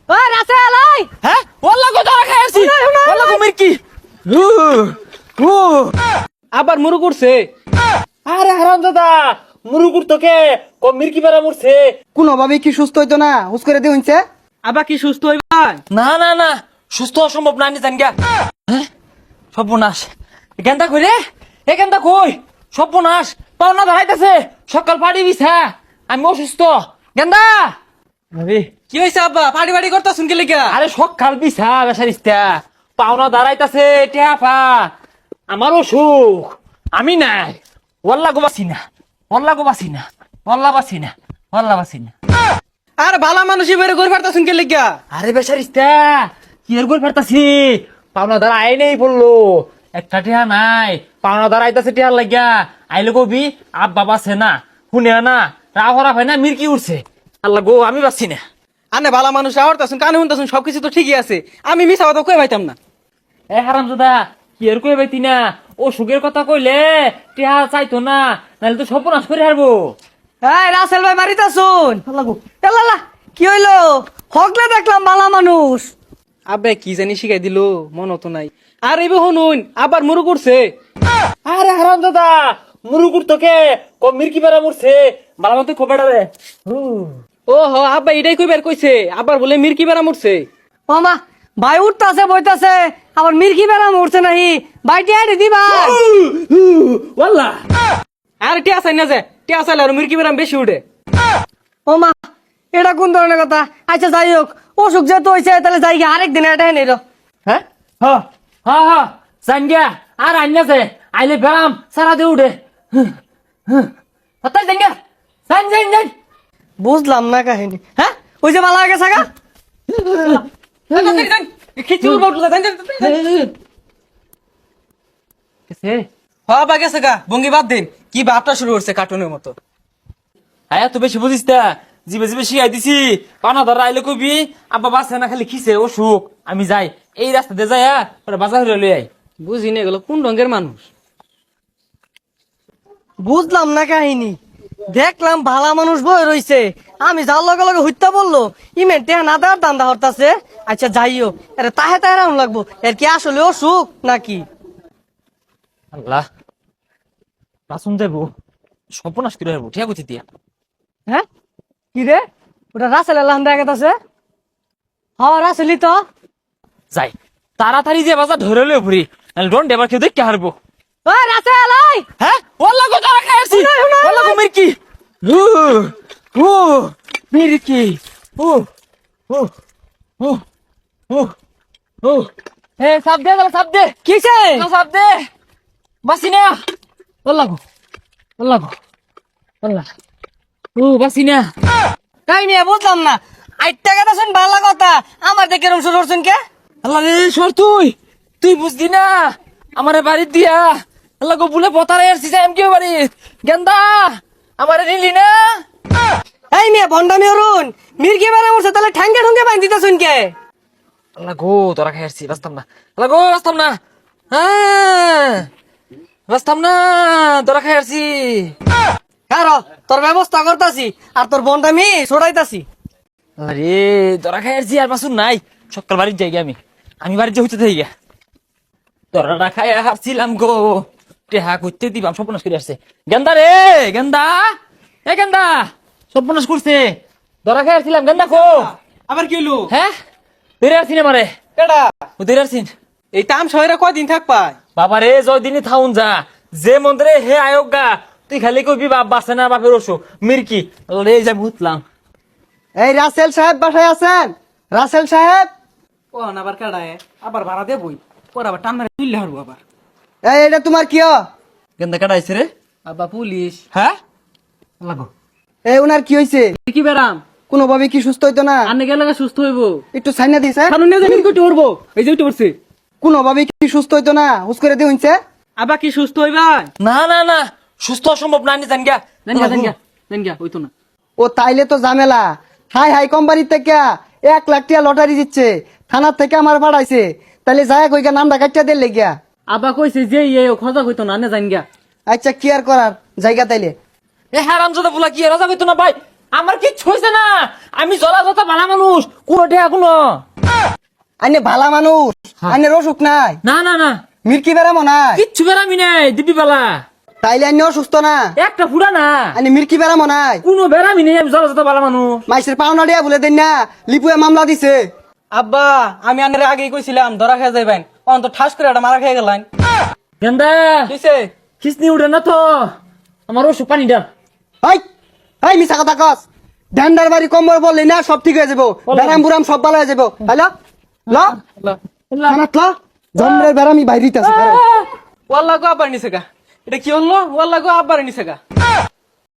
ওই রাসেল ওই হ্যাঁ ওল্লা কো ধরা খাইছি ওল্লা কো মির্কি ও আবার মুরু করছে। আরে হারামজাদা মুরুকুর তোকে কো মির্কি বেরা মরছে। কোনোভাবে কি সুস্থ হইতো না হুস করে দিয়ে হইছে? আবার কি সুস্থ হইবাই? না না না সুস্থ অসম্ভব না নি জান গা। হ্যাঁ সর্বনাশ এখানটা কই রে এখানটা কই সর্বনাশ পাওনা ধরাইতেছে সকাল পাড়ি বিছা আমি অসুস্থ গেন্দা আরে কি হইছে আব্বা? পাড়ি বাড়ি করতা শুনকে লিখা? আরে সকাল বিছা বেসারিস্তা পাওনা দাঁড়াইতেছে টেপা আমার অসুখ আমি নাই ওল্লা গো বাসি না ওল্লা গো বাসি না ওল্লা বাসি না ওল্লা বাসি না আর ভালা মানুষই বের করে পারতা শুনকে লিখা? আরে বেসারিস্তা কি এর গোল ফারতাছি পাওনা দাঁড়া আই নেই বললো একটা টিহা নাই পাওনা দাঁড়া আইতাছে টিহার লাগিয়া আইলে কবি আব বাবা আছে না শুনে না রাহরা ভাই না মির্কি উঠছে আল্লাহ গো আমি বাসি না আনে ভালা মানুষ আওরতাছুন কানে শুনতাছুন সবকিছু তো ঠিকই আছে, আমি মিছা কথা কই পাইতাম না। এ হারামজাদা কি এর কই বাইতি না ও সুখের কথা কইলে টিহা চাইতো না নাহলে তো সর্বনাশ করে হারবো এই রাসেল ভাই বাড়িতে শুন এলালা কি হইলো হকলে দেখলাম বালা মানুষ। আব্বা কি জানি শিখাই দিল মন তো নাই। আর এই হনুন আবার মুরু করছে। আরে হারামজাদা মুরুকুর তোকে কো মির্কি বেরা মরছে বালা মতো খোবেড়া রে ও হ আব্বা এটাই কইবার কইছে, আবার বলে মির্কি বেড়া মরছে। মামা ভাই উঠতাছে বইতাছে আবার মির্কি বেড়া মরছে নাহি বাইটি আইডি দিবা। ওয়াল্লা আর টিয়া চাই না যে টিয়া চাইলে আর মির্কি বেড়াম বেশি উঠে। ও মা এটা কোন ধরনের কথা? আচ্ছা যাই হোক অসুখ যেহেতু হয়েছে তাহলে যাই গিয়ে আরেক দিন এটা নিল। হ্যাঁ হ্যাঁ জান গিয়া আর আইনাছে আইলে বেরাম সারা দিয়ে উঠে তাই জান গিয়া জান জান জান বুঝলাম না কাহিনী। হ্যাঁ ওই যে বালা গেছে গা খিচুড়ি বটলা হবা গেছে গা ভঙ্গি বাদ দিন কি বাপটা শুরু করছে কার্টুনের মতো। হ্যাঁ তো বেশি বুঝিস তা জিবে জিবে শিখাই দিছি পানা ধরা আইলে কবি আব্বা বাসে না খালি খিসে অসুখ আমি যাই এই রাস্তা দিয়ে যাই ওরা বাজার হইলে লই আই বুঝি না এগুলো কোন রঙের মানুষ। বুঝলাম না কাহিনী। দেখলাম ভালা মানুষ বই রইছে আমি যার লগে লগে হইতা বললো ইমেন্টে না দেওয়ার দান্দা হরতাছে। আচ্ছা যাইও আরে তাহে তাহে রাউন লাগবো এর কি আসলে অসুখ নাকি? আল্লাহ বাসন যাবো সর্বনাশ করে হারবো ঠিক আছে দিয়া হ্যাঁ কি রে ওটা রাসেল আল্লাহ দেখা আছে। হ্যাঁ রাসেলই তো। যাই তাড়াতাড়ি যে বাজার ধরে লই ঘুরি নাহলে ডন ডেবার কেউ দেখতে হারবো ওই রাসেল ওই হ্যাঁ ওল্লা কো ধরা খাইছি ওল্লা কো মির্কি ও মির্কি ও ও ও ও ও এ সাপ দে সাপ দে কিসে? সাপ দে বাসি না ওল্লা ও বাসি না কাহিনী বুঝলাম না। আইটা কথা শুন ভালো কথা আমার দেখে এরকম শুরু করছেন কে? আল্লাহ রে সর তুই বুঝদি না আমারে বাড়ি দিয়া আল্লাহ গো বলে বতারে আসছিস এম কেউ বাড়ি গেন্দা আমারে নিলি না এই মেয়ে ভন্ডামি অরুণ মির্গি বেড়া উঠছে তাহলে ঠ্যাঙ্গে ঠুঙ্গে বাঁধি দিতেছুন কে? আল্লাহ গো তোরা খাই আসছি বাঁচতাম না আল্লাহ গো বাঁচতাম না হ্যাঁ বাঁচতাম না তোরা খাই আসছি কারো তোর ব্যবস্থা করতাছি আর তোর ভন্ডামি ছড়াইতাছি। আরে তোরা খাই আসছি আর বাসুন নাই সকাল বাড়ির যাই আমি বাড়ির যে হইতে থাকি গা তোরা খাই হারছিলাম গো টেহা করতে দিবাম সর্বনাশ করে আসছে গেন্দা রে গেন্দা এ গেন্দা সর্বনাশ করছে তোরা খাই আসছিলাম গেন্দা কো আবার কি হলো? হ্যাঁ ধরে আসছি না মারে কেডা? ও ধরে আসছিন এই তাম শহরে কয়দিন থাক পায়? বাবা রে জয়দিনই থাউন যা যে মন্দিরে হে আয়োগ গা তুই খালি কবি বাপ বাসে না বাপের অসুখ মির্কি রে যাই ভুতলাম এই রাসেল সাহেব বাসায় আছেন? রাসেল সাহেব ও না আবার কেডায় আবার ভাড়া দেবই পর আবার টান মারে তুললে হারবো আবার। এই এটা তোমার কি হয়? গেন্দা কাটাইছে রে আব্বা পুলিশ। হ্যাঁ লাগো এই উনার কি হয়েছে? কি বেড়াম কোনোভাবে কি সুস্থ হইতো না? আনে গেলে সুস্থ হইবো। একটু সাইনা দিছে কারণ নিয়ে জানি কইতে উঠবো এই যে উঠে পড়ছে। কোনোভাবে কি সুস্থ হইতো না হুস করে দিয়ে হইছে? আবার কি সুস্থ হইবা? না না না সুস্থ অসম্ভব না নি জান গা জান গা হইতো না। ও তাইলে তো ঝামেলা। হাই কোম্পানির থেকে 1 লাখ টাকা লটারি দিচ্ছে, থানার থেকে আমার পাঠাইছে, তাহলে যায় কইগা নামটা কাটিয়া দিলে গিয়া। আবার কইছে যে খরচা হইতো না জান গা। আচ্ছা কি আর করার জায়গা তাইলে এ হারাম জাদা বুলা কি রাজা কইতো না ভাই আমার কিচ্ছু হয়েছে না, আমি যত ভালো মানুষ, কোনো টেহা কোনো। আইনে ভালা মানুষ, আইনের অসুখ নাই, না না না, মির্কি বেড়ামো নাই, কিচ্ছু বেড়ামি নাই দিবি বেলা, তাইলে আইনে অসুস্থ না, একটা ফুড়া না, আইনে মির্কি বেড়ামো নাই, কোনো বেড়ামি নেই, আমি যত ভালো মানুষ। মাইসের পাওনা দিয়া বলে দেন না, লিপুয়ে মামলা দিছে। আব্বা আমি আনের আগেই কইছিলাম ধরা খেয়ে যাইবেন, অন্ত ঠাস করে একটা মারা খেয়ে গেলেন। গেন্দা কিসে খিসনি উঠে না তো, আমার ওষুধ পানি ডাল। হাই হাই মিছা কথা কস, ঢান্ডার বাড়ি কম্বল বললি না সব ঠিক হয়ে যাবো, বেরাম বুরাম সব ভালো হয়ে যাবো। হ্যালো ল খানাত ল, জন্মের বেরামি বাইরিতে আছে। ওয়াল্লা গো আব্বার নিছে গা, এটা কি হলো? ওয়াল্লা গো আব্বার নিছে গা।